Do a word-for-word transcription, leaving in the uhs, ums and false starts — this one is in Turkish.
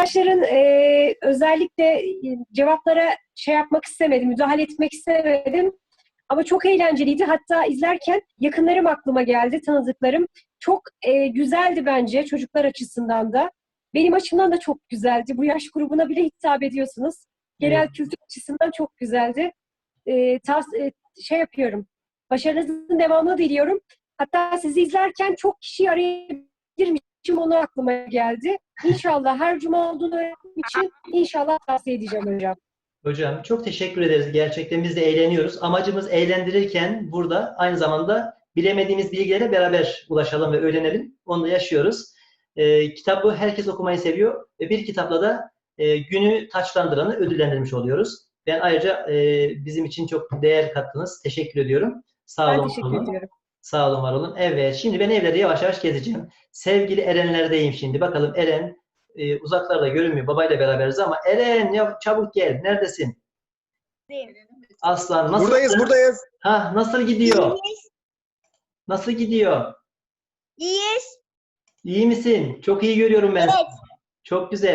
arkadaşların e, özellikle e, cevaplara şey yapmak istemedim, müdahale etmek istemedim. Ama çok eğlenceliydi. Hatta izlerken yakınlarım aklıma geldi, tanıdıklarım. Çok e, güzeldi bence çocuklar açısından da. Benim açımdan da çok güzeldi. Bu yaş grubuna bile hitap ediyorsunuz. Genel Evet. kültür açısından çok güzeldi. E, tas, e, şey yapıyorum. Başarınızın devamını diliyorum. Hatta sizi izlerken çok kişi arayabilirmişim, onu aklıma geldi. İnşallah her cuma olduğunu öğrendiğim için inşallah tavsiye edeceğim hocam. Hocam çok teşekkür ederiz. Gerçekten biz de eğleniyoruz. Amacımız eğlendirirken burada aynı zamanda bilemediğimiz bilgilere beraber ulaşalım ve öğrenelim. Onu da yaşıyoruz. Ee, kitabı herkes okumayı seviyor ve bir kitapla da e, günü taçlandıranı ödüllendirmiş oluyoruz. Ben ayrıca e, bizim için çok değer kattınız. Teşekkür ediyorum. Sağ Ben olun, var teşekkür olun. ediyorum. Sağ olun, var olun. Evet, şimdi ben evleri yavaş yavaş gezeceğim. Sevgili Erenlerdeyim şimdi. Bakalım Eren e, uzaklarda görünmüyor. Babayla beraberiz ama Eren ya çabuk gel. Neredesin? Aslan nasıl? Buradayız, buradayız. Ha, nasıl gidiyor? İyiyiz. Nasıl gidiyor? İyiyiz. İyi misin? Çok iyi görüyorum ben seni. Evet. Çok güzel.